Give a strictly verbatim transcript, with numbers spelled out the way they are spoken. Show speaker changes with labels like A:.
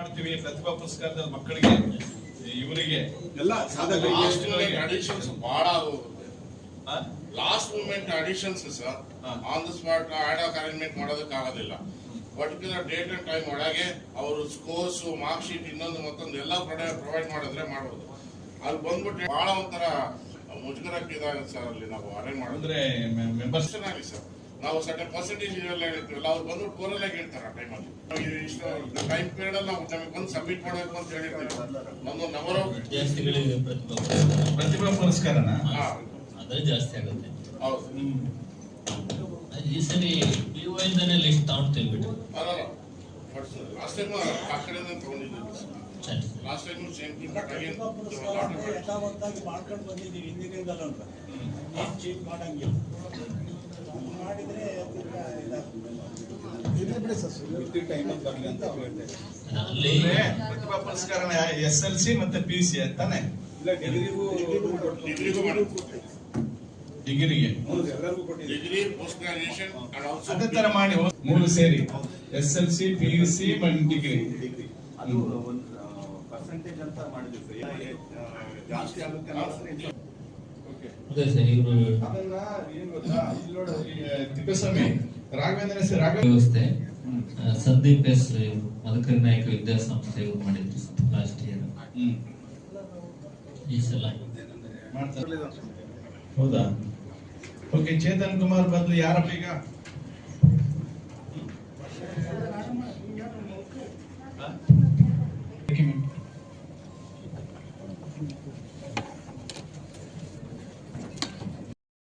A: ಮಾಡ್ತೀವಿ ಪ್ರತಿಭಾ ಪುರಸ್ಕಾರದ ಮಕ್ಕಳಿಗೆ ಇವರಿಗೆ
B: ಎಲ್ಲ
C: ಅಡಿಷನ್ಸ್ ಬಹಳ last moment additions sir on the spot ad hoc arrangement ಮಾಡೋದಕ್ಕೆ ಆಗೋದಿಲ್ಲ. ಪರ್ಟಿಕ್ಯುಲರ್ ಡೇಟ್ ಅಂಡ್ ಟೈಮ್ ಒಳಗೆ ಅವರು ಸ್ಕೋರ್ಸ್ ಮಾರ್ಕ್ ಶೀಟ್ ಇನ್ನೊಂದು ಮತ್ತೊಂದು ಎಲ್ಲ ಪ್ರೊವೈಡ್ ಮಾಡಿದ್ರೆ ಮಾಡ್ಬೋದು. ಅಲ್ಲಿ ಬಂದ್ಬಿಟ್ಟು ಬಹಳ ಒಂಥರ ಮುಜುಗರಕ್ಕೆ ಇದಾಗುತ್ತೆ ಸರ್. ಅಲ್ಲಿ ನಾವು ಅರೇಂಜ್ ಮಾಡಿದ್ರೆ ಮೆಂಬರ್ಸ್ ಚೆನ್ನಾಗಿ ಸರ್ ನಾವು ಸರ್ಟನ್ ಪರ್ಸೆಂಟೇಜ್ ಎಲ್ಲ ಹೇಳ್ತೀವಲ್ಲ ಅವ್ರು ಬಂದ್ಬಿಟ್ಟು ಕೋರಲ್ಲಾಗಿ ಹೇಳ್ತಾರೆ ಆ ಟೈಮಲ್ಲಿ ಇಷ್ಟು ಟೈಮ್ ಪೀರಿಯಡ್ ಅಲ್ಲಿ ನಾವು ನಮಗೆ ಬಂದು ಸಬ್ಮಿಟ್ ಮಾಡಬೇಕು ಅಂತ ಹೇಳಿರ್ತೀವಿ. ಒಂದು ನಂಬರ್ ಆಫ್
A: ಪ್ರತಿಭಾ ಪುರಸ್ಕಾರನ
D: ಅದೇ ಜಾಸ್ತಿ ಆಗುತ್ತೆ.
C: ಹೌದು
D: ಈ ಸರಿ ಪಿ ಯು ಇಂದಾನೆ ಲಿಸ್ಟ್ ತಗೊಂಡ್ತೀವಿ ಬಿಟ್ಟು
C: ಅಲ್ಲ ಲಾಸ್ಟ್ ಟೈಮ್ ಆ ಕಡೆಯಿಂದ ತಗೊಂಡಿದ್ದೀವಿ. Last time same thing but again
B: ಯಥಾವತ್ತಾಗಿ ಮಾಡ್ಕೊಂಡು ಬಂದಿದ್ದೀವಿ ಹಿಂದಿನಿಂದಲೂ ಅಂತ ಏನು ಚೇಂಜ್ ಮಾಡಂಗಿಲ್ಲ. ಮಾಡಿದ್ರೆ
D: ಅಲ್ಲಿ
A: ಪ್ರತಿಭಾ ಪುರಸ್ಕಾರನ ಎಸ್ ಎಲ್ ಸಿ ಮತ್ತೆ ಪಿ ಸಿ ಅಂತಾನೆ
C: ಡಿಗ್ರಿಗೂ
A: ಡಿಗ್ರಿಗೆ
C: ಡಿಗ್ರಿ ಪೋಸ್ಟ್ ಗ್ರಾಜುಯೇಷನ್
A: ಅದೇ ತರ ಮಾಡಿ ಮೂರು ಸೇರಿ S L C P U C degree
B: ಅದು ಒಂದು ಪರ್ಸೆಂಟೇಜ್ ಅಂತ ಮಾಡಿದ್ವಿ ಜಾಸ್ತಿ ಆಗುತ್ತೆ.
D: ಅದೇ ಸರ್ ಇವರು
A: ಅದನ್ನ ಏನ್ ಗೊತ್ತಾ ತಿಪ್ಪೇಸ್ವಾಮಿ ರಾಘವೇಂದ್ರ ಸಿ ರಾಘವ
D: ವ್ಯವಸ್ಥೆ ಸಂದೀಪ್ ಎಸ್ ಮದಕರಿ ನಾಯಕ ವಿದ್ಯಾಸಂಸ್ಥೆ ಇವ್ರು ಮಾಡಿದ್ರು ಲಾಸ್ಟ್ ಇಯರ್. ಈ ಸಲ
A: ಮಾಡ್ತಾರೆ. ಹೌದಾ? ಓಕೆ, ಚೇತನ್ ಕುಮಾರ್ ಬದಲು ಯಾರಪ್ಪ ಈಗ